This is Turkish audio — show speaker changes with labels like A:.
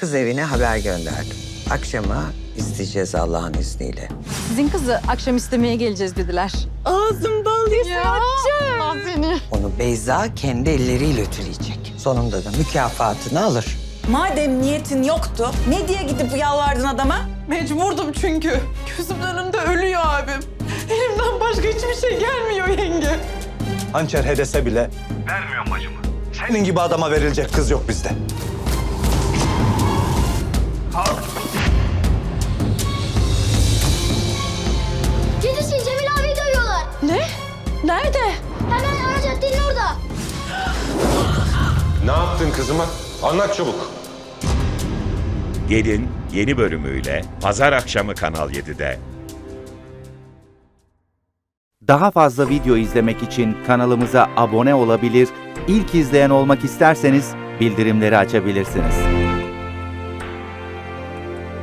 A: kız evine haber gönderdim. Akşama isteyeceğiz Allah'ın izniyle.
B: Sizin kızı akşam istemeye geleceğiz dediler.
C: Ağzım bal yesin Hatice.
B: Allah seni.
A: Onu Beyza kendi elleriyle ütüleyecek. Sonunda da mükafatını alır.
C: Madem niyetin yoktu, ne diye gidip yalvardın adama?
D: Mecburdum çünkü. Gözümün önünde ölüyor abim. Elimden başka hiçbir şey gelmiyor yenge.
E: Hançer hedese bile vermiyorum bacımı. Senin gibi adama verilecek kız yok bizde.
F: Dedesi Cemil abiyi dövüyorlar.
D: Ne? Nerede?
F: Hemen ara caddenin orada.
G: Ne yaptın kızıma? Anlat çabuk.
H: Gelin yeni bölümüyle Pazar akşamı Kanal 7'de.
I: Daha fazla video izlemek için kanalımıza abone olabilir, ilk izleyen olmak isterseniz bildirimleri açabilirsiniz.